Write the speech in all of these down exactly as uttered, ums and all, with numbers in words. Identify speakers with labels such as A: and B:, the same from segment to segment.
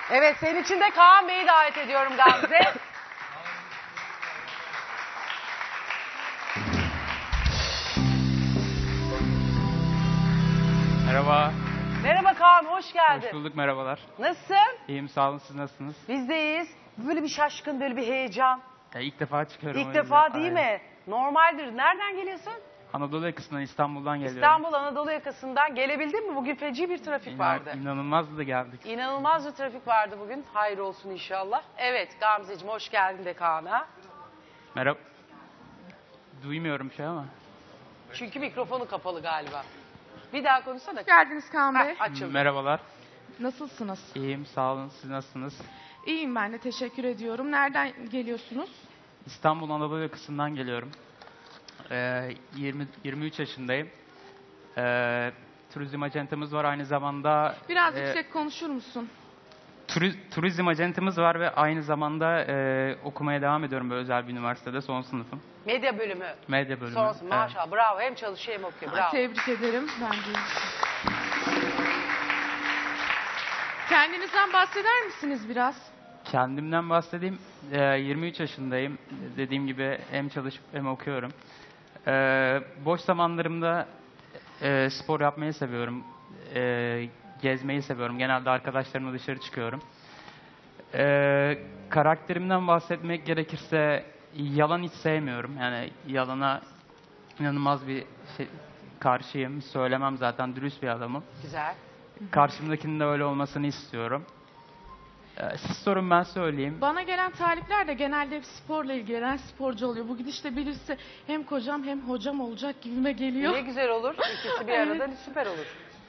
A: Evet, senin için de Kaan Bey'i davet ediyorum Gamze.
B: Merhaba.
A: Merhaba Kaan, hoş geldin.
B: Hoş bulduk, merhabalar.
A: Nasılsın?
B: İyiyim, sağ olun, siz nasılsınız?
A: Biz de iyiyiz. Böyle bir şaşkın, böyle bir heyecan.
B: Ya ilk defa çıkıyorum.
A: İlk
B: o
A: defa
B: yüzden.
A: değil
B: Aynen.
A: mi? Normaldir. Nereden geliyorsun?
B: Anadolu yakasından, İstanbul'dan geliyorum.
A: İstanbul Anadolu yakasından. Gelebildin mi? Bugün feci bir trafik
B: İnan,
A: vardı.
B: İnanılmaz da geldik.
A: İnanılmaz bir trafik vardı bugün. Hayır olsun inşallah. Evet Gamzeciğim, hoş geldin de Kaan'a.
B: Merhaba. Duymuyorum şey ama.
A: Çünkü mikrofonu kapalı galiba. Bir daha konuşsana.
C: Hoş geldiniz Kaan Bey.
A: Heh, açıldı.
B: Merhabalar.
C: Nasılsınız?
B: İyiyim, sağ olun, siz nasılsınız?
C: İyiyim ben de, teşekkür ediyorum. Nereden geliyorsunuz?
B: İstanbul Anadolu yakasından geliyorum. Ee, yirmi, yirmi üç yaşındayım. Ee, turizm acentamız var aynı zamanda.
C: Biraz
B: e,
C: yüksek konuşur musun?
B: turi- turizm acentamız var ve aynı zamanda e, okumaya devam ediyorum böyle özel bir üniversitede, son sınıfım.
A: Medya bölümü.
B: Medya bölümü.
A: Sonrası
B: Evet.
A: maşallah, bravo. Hem çalışıyor hem okuyor, bravo.
C: Tebrik ederim. Ben de. Kendinizden bahseder misiniz biraz?
B: Kendimden bahsedeyim. Ee, yirmi üç yaşındayım. Dediğim gibi hem çalışıp hem okuyorum. Ee, boş zamanlarımda e, spor yapmayı seviyorum. Ee, gezmeyi seviyorum. Genelde arkadaşlarımla dışarı çıkıyorum. Ee, karakterimden bahsetmek gerekirse yalan hiç sevmiyorum. Yani yalana inanılmaz bir şey, karşıyım. Söylemem zaten. Dürüst bir adamım.
A: Güzel.
B: Karşımdakinin de öyle olmasını istiyorum. Ee, Siz sorun, ben söyleyeyim.
C: Bana gelen talipler de genelde hep sporla ilgilenen sporcu oluyor. Bu gidişle bilirse hem kocam hem hocam olacak gibime geliyor.
A: Ne güzel olur. İkisi bir
C: Evet.
A: arada süper olur.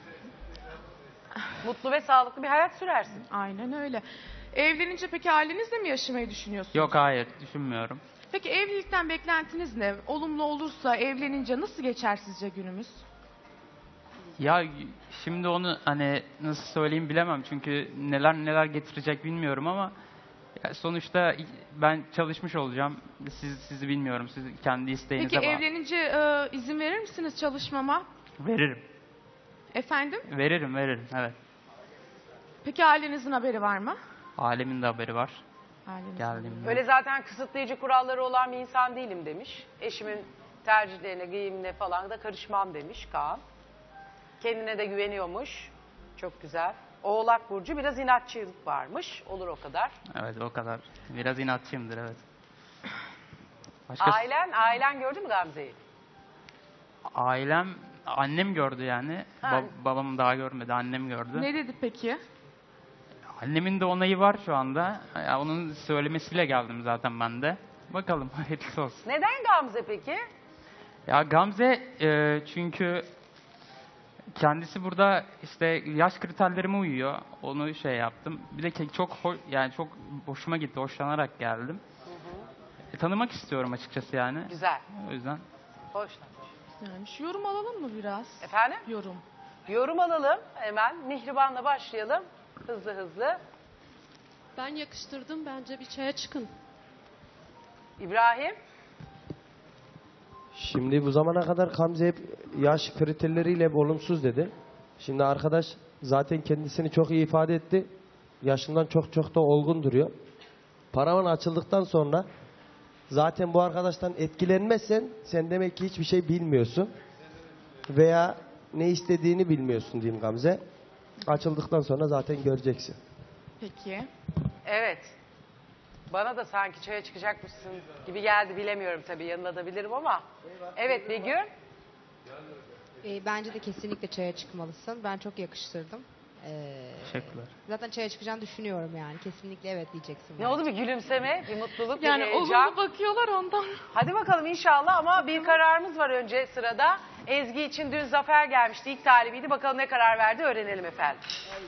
A: Mutlu ve sağlıklı bir hayat sürersin.
C: Aynen öyle. Evlenince peki ailenizle mi yaşamayı düşünüyorsunuz?
B: Yok, hayır, düşünmüyorum.
C: Peki evlilikten beklentiniz ne? Olumlu olursa evlenince nasıl geçer sizce günümüz?
B: Ya şimdi onu hani nasıl söyleyeyim bilemem çünkü neler neler getirecek bilmiyorum ama ya sonuçta ben çalışmış olacağım. Siz sizi bilmiyorum. Siz kendi isteğinize
C: Peki
B: bağlı.
C: evlenince e, izin verir misiniz çalışmama?
B: Veririm.
C: Efendim?
B: Veririm, veririm. Evet.
C: Peki ailenizin haberi var mı?
B: Ailemin de haberi var.
C: Ailenizin
B: Geldiğimde.
A: Öyle zaten kısıtlayıcı kuralları olan bir insan değilim demiş. Eşimin tercihlerine, giyimine falan da karışmam demiş Kaan. Kendine de güveniyormuş. Çok güzel. Oğlak Burcu, biraz inatçılık varmış. Olur o kadar.
B: Evet, o kadar. Biraz inatçıyımdır, evet. Başka
A: Ailen, ailen gördü mü Gamze'yi?
B: ailem, annem gördü yani.
A: Ha.
B: Ba- babam daha görmedi, annem gördü.
C: Ne dedi peki?
B: Annemin de onayı var şu anda. Ya onun söylemesiyle geldim zaten ben de. Bakalım, hayırlısı olsun.
A: Neden Gamze peki?
B: Ya Gamze e, çünkü kendisi burada işte yaş kriterlerime uyuyor. Onu şey yaptım. Bir de ke- çok ho- yani çok hoşuma gitti. Hoşlanarak geldim. E, tanımak istiyorum açıkçası yani.
A: Güzel.
B: O yüzden.
A: Hoş.
C: Yani şu yorum alalım mı biraz?
A: Efendim?
C: Yorum.
A: Yorum alalım hemen. Mihriban'la başlayalım. Hızlı hızlı.
D: Ben yakıştırdım. Bence bir çaya çıkın.
A: İbrahim?
E: Şimdi bu zamana kadar Gamze hep yaş kriterleriyle hep olumsuz dedi. Şimdi arkadaş zaten kendisini çok iyi ifade etti. Yaşından çok çok da olgun duruyor. Paravan açıldıktan sonra zaten bu arkadaştan etkilenmezsen sen demek ki hiçbir şey bilmiyorsun. Veya ne istediğini bilmiyorsun diyeyim Gamze. Açıldıktan sonra zaten göreceksin.
C: Peki.
A: Evet. Bana da sanki çaya çıkacakmışsın gibi geldi. Bilemiyorum tabii, yanında da bilirim ama. Evet Begüm.
F: E, bence de kesinlikle çaya çıkmalısın. Ben çok yakıştırdım. E,
B: Teşekkürler.
F: zaten çaya çıkacağını düşünüyorum yani. Kesinlikle evet diyeceksin.
A: Ne
F: bence.
A: oldu, bir gülümseme, bir mutluluk,
C: Yani
A: bir heyecan.
C: olumlu bakıyorlar ondan.
A: Hadi bakalım inşallah, ama bir kararımız var önce sırada. Ezgi için dün Zafer gelmişti, ilk talibiydi. Bakalım ne karar verdi, öğrenelim efendim.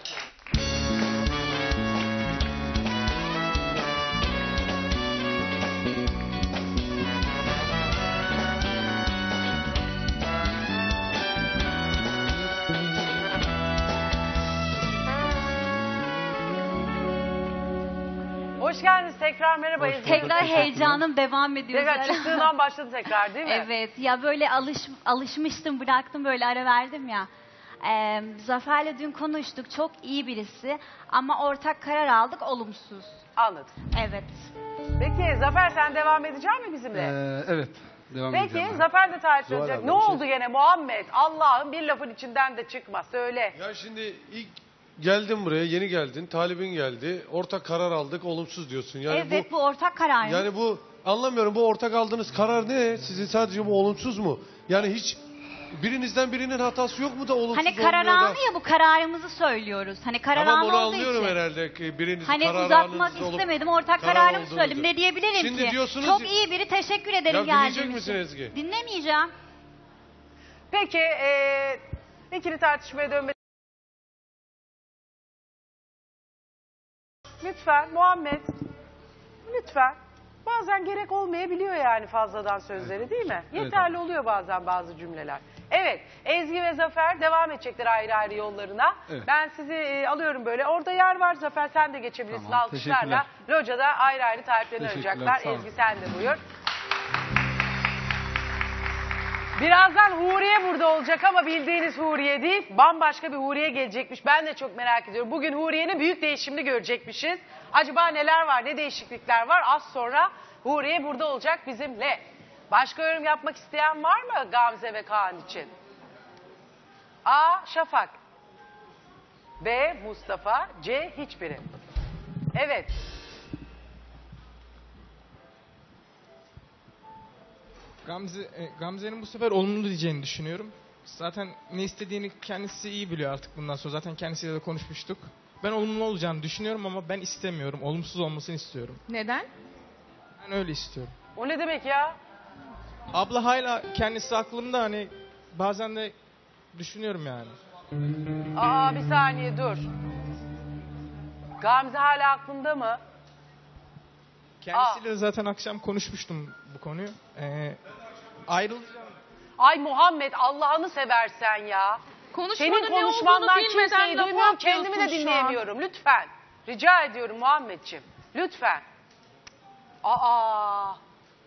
A: Hoş geldiniz tekrar, merhaba Ezgi.
G: Tekrar heyecanım devam ediyor.
A: Tekrar
G: Zara.
A: çıktığından başladı tekrar değil mi?
G: Evet ya, böyle alış, alışmıştım, bıraktım, böyle ara verdim ya. Ee, Zafer'le dün konuştuk. Çok iyi birisi. Ama ortak karar aldık. Olumsuz.
A: Anladım.
G: Evet.
A: Peki Zafer sen devam edecek misin bizimle?
H: Ee, evet. Devam
A: Peki
H: edeceğim ben.
A: Zafer de tarif
E: Zuhal
A: edecek.
E: abla,
A: Ne
E: bir şey-
A: oldu gene Muhammed? Allah'ım bir lafın içinden de çıkma. Söyle.
I: Ya şimdi ilk geldin buraya, yeni geldin, talibin geldi. Ortak karar aldık, olumsuz diyorsun. Yani
G: evet
I: bu,
G: bu, ortak karar.
I: yani bu anlamıyorum, bu ortak aldığınız karar ne? Sizin sadece bu olumsuz mu? Yani hiç birinizden birinin hatası yok mu da olumsuz
G: Hani karar
I: olmuyor da?
G: anı ya, bu kararımızı söylüyoruz. Hani karar
I: Tamam,
G: anı
I: onu
G: olduğu
I: anlıyorum
G: için.
I: herhalde ki biriniz
G: Hani
I: karar
G: uzatmak
I: anınız olup
G: istemedim. Ortak
I: karar
G: kararımı
I: olduğunuzu.
G: söyledim. Ne diyebilirim
I: Şimdi
G: ki?
I: diyorsunuz
G: Çok
I: ya-
G: iyi biri, teşekkür ederim
I: Ya
G: geldiğin
I: dinleyecek misin
G: için.
I: Ezgi?
G: Dinlemeyeceğim.
A: Peki eee ikili tartışmaya dönme. Lütfen Muhammed. Lütfen. Bazen gerek olmayabiliyor yani fazladan sözleri değil mi?
H: Evet.
A: Yeterli oluyor bazen bazı cümleler. Evet, Ezgi ve Zafer devam edecekler ayrı ayrı yollarına.
H: Evet.
A: Ben sizi e, alıyorum böyle. Orada yer var Zafer, sen de geçebilirsin
H: Tamam,
A: alkışlarla. Locada ayrı ayrı tariflerini
H: Teşekkürler,
A: arayacaklar.
H: sağ olun.
A: Ezgi sen de buyur. Birazdan Huriye burada olacak ama bildiğiniz Huriye değil. Bambaşka bir Huriye gelecekmiş. Ben de çok merak ediyorum. Bugün Huriye'nin büyük değişimini görecekmişiz. Acaba neler var, ne değişiklikler var? Az sonra Huriye burada olacak bizimle. Başka yorum yapmak isteyen var mı Gamze ve Kaan için? A. Şafak. B. Mustafa. C. Hiçbiri. Evet.
J: Gamze, e, Gamze'nin bu sefer olumlu diyeceğini düşünüyorum. Zaten ne istediğini kendisi iyi biliyor artık bundan sonra. Zaten kendisiyle de konuşmuştuk. Ben olumlu olacağını düşünüyorum ama ben istemiyorum. Olumsuz olmasını istiyorum.
C: Neden?
J: Ben öyle istiyorum.
A: O ne demek ya?
J: Abla hala kendisi aklımda, hani bazen de düşünüyorum yani.
A: Aa bir saniye dur. Gamze hala aklında mı?
J: Kendisiyle de zaten akşam konuşmuştum bu konuyu. Ee, ayrılacağım.
A: Ay Muhammed Allah'ını seversen ya.
C: Konuşmanın
A: Senin
C: ne
A: konuşmandan
C: olduğunu bilmeden
A: kimseyi
C: lafı
A: duymuyorum, kendimi de
C: atıyorsun şu an.
A: dinleyemiyorum. Lütfen. Rica ediyorum Muhammedciğim. Lütfen. Aa.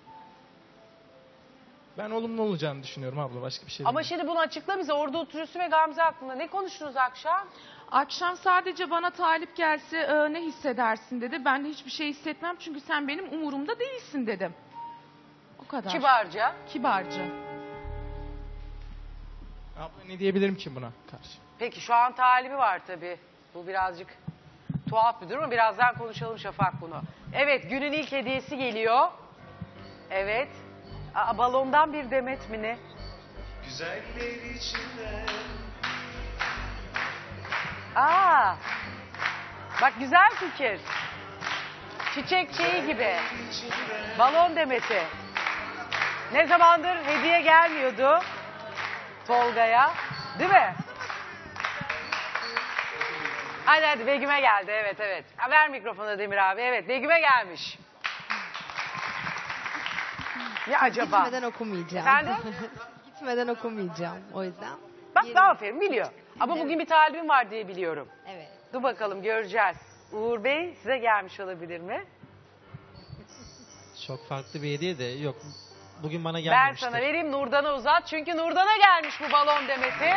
J: Ben olumlu olacağını düşünüyorum abla, başka bir şey
A: Ama
J: değil.
A: şimdi bunu açıkla bize. Orada oturuyorsun ve Gamze hakkında. Ne konuştunuz akşam?
C: Akşam sadece bana talip gelse e, ne hissedersin dedi. Ben de hiçbir şey hissetmem çünkü sen benim umurumda değilsin dedim. O kadar.
A: Kibarca.
C: Kibarca.
J: Abla ne diyebilirim ki buna karşı?
A: Peki şu an talibi var tabii. Bu birazcık tuhaf bir durum. Birazdan konuşalım Şafak bunu. Evet günün ilk hediyesi geliyor. Evet. Aa, balondan bir demet mi ne?
K: Güzeller içinde.
A: Aa. Bak güzel fikir. Çiçek şeyi gibi. Balon demeti. Ne zamandır hediye gelmiyordu Tolga'ya. Değil mi? Hadi hadi Begüm'e geldi. Evet evet. Ha, ver mikrofonu Demir abi. Evet Begüm'e gelmiş. Ne acaba?
F: Gitmeden okumayacağım.
A: Efendim?
F: Gitmeden okumayacağım o yüzden.
A: Bak
F: Yerim.
A: ne aferin biliyor. Ama
F: Evet.
A: bugün bir talibim var diye biliyorum.
F: Evet.
A: Dur bakalım göreceğiz. Uğur Bey size gelmiş olabilir mi?
L: Çok farklı bir hediye de yok. Bugün bana
A: Ben
L: gelmemiştir.
A: sana vereyim Nurdan'a uzat. Çünkü Nurdan'a gelmiş bu balon demeti.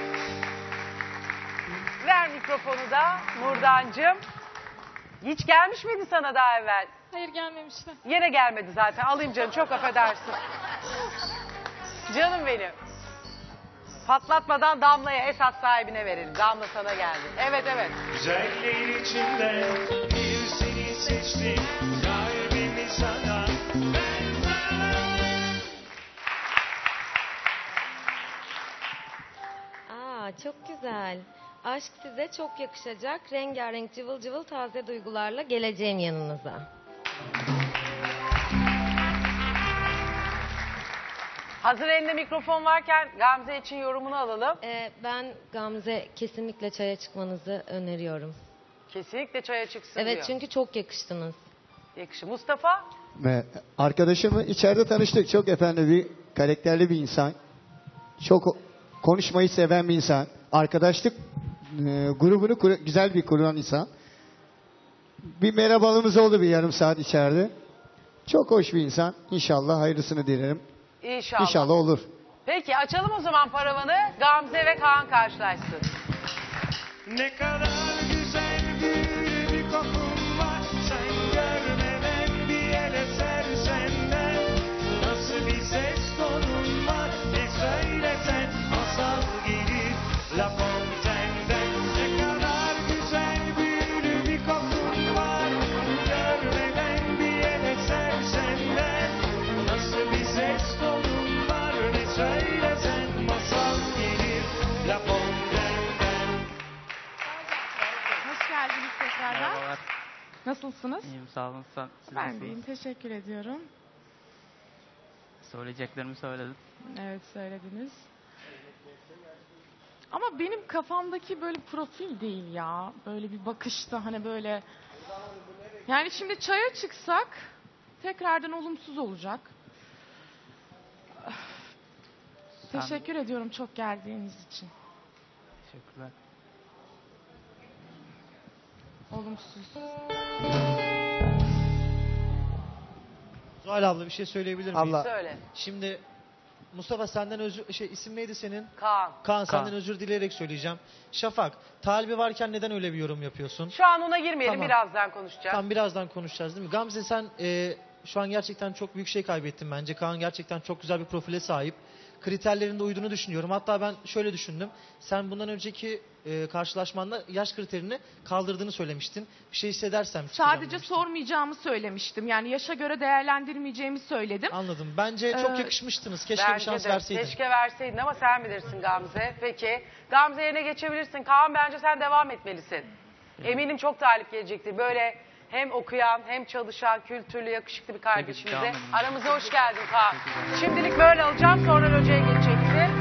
A: Ver mikrofonu da Nurdancığım. Hiç gelmiş miydi sana daha evvel?
D: Hayır gelmemişti.
A: Yine gelmedi zaten. Alayım canım çok affedersin. Canım benim. Patlatmadan Damla'ya esas sahibine verelim. Damla sana geldi. Evet evet.
K: Güzeller içinde bir seni seçtim. Kalbimi sana ben
M: Aa, çok güzel. Aşk size çok yakışacak. Rengarenk cıvıl cıvıl taze duygularla geleceğim yanınıza.
A: Hazır elinde mikrofon varken Gamze için yorumunu alalım.
M: Ee, ben Gamze kesinlikle çaya çıkmanızı öneriyorum.
A: Kesinlikle çaya çıksın
M: Evet
A: diyor.
M: çünkü çok yakıştınız.
A: Yakışı. Mustafa?
N: Ve arkadaşımı içeride tanıştık. Çok efendi bir karakterli bir insan. Çok konuşmayı seven bir insan. Arkadaşlık e, grubunu kur- güzel bir kuran insan. Bir merhabalığımız oldu bir yarım saat içeride. Çok hoş bir insan. İnşallah hayırlısını dilerim.
A: İnşallah.
N: İnşallah olur.
A: Peki açalım o zaman paravanı. Gamze ve Kaan karşılaşsın.
K: Ne kadar güzel büyülü bir kokun var. Sen görmeden bir el eser senden. Nasıl bir ses tonun var. Ne söylesen masal gelir La Fontaine'den. Ne kadar güzel büyülü bir kokun var. Görmeden bir el eser senden. Nasıl bir ses tonun var. Ne söylesen masal gelir La Fontaine'den.
C: Hoş geldiniz tekrardan.
B: Merhabalar.
C: Nasılsınız?
B: İyiyim sağ olun. Sen, siz
C: Ben
B: nasılsınız?
C: deyim. Teşekkür ediyorum.
B: Söyleyeceklerimi söyledim.
C: Evet söylediniz. Ama benim kafamdaki böyle profil değil ya. Böyle bir bakışta hani böyle. Yani şimdi çaya çıksak tekrardan olumsuz olacak.
B: Sen-
C: Teşekkür ediyorum çok geldiğiniz için.
B: Teşekkürler.
C: Olumsuz.
L: Zuhal abla bir şey söyleyebilir miyim?
E: Allah.
A: Söyle.
L: Şimdi Mustafa senden özür... Şey isim neydi senin?
A: Kaan.
L: Kaan senden
B: Kaan.
L: özür dileyerek söyleyeceğim. Şafak, Talbi varken neden öyle bir yorum yapıyorsun?
A: Şu an ona girmeyelim.
L: Tamam.
A: Birazdan konuşacağız.
L: Tam birazdan konuşacağız değil mi? Gamze sen e, şu an gerçekten çok büyük şey kaybettin bence. Kaan gerçekten çok güzel bir profile sahip. Kriterlerinde uyduğunu düşünüyorum. Hatta ben şöyle düşündüm. Sen bundan önceki e, karşılaşmanda yaş kriterini kaldırdığını söylemiştin. Bir şey hissedersem çıkacağım
C: Sadece
L: demiştin.
C: sormayacağımı söylemiştim. Yani yaşa göre değerlendirmeyeceğimi söyledim.
L: Anladım. Bence çok
C: Ee,
L: yakışmıştınız. Keşke bir
A: Bence
L: şans
A: de.
L: verseydin.
A: Keşke verseydin ama sen bilirsin Gamze. Peki. Gamze yerine geçebilirsin. Kaan bence sen devam etmelisin. Eminim çok talip gelecektir. Böyle hem okuyan hem çalışan, kültürlü, yakışıklı bir kardeşimize.
B: devam edin.
A: Aramıza hoş geldin Kaan. Şimdilik böyle alacağım. Sonra hocaya geçeceksin.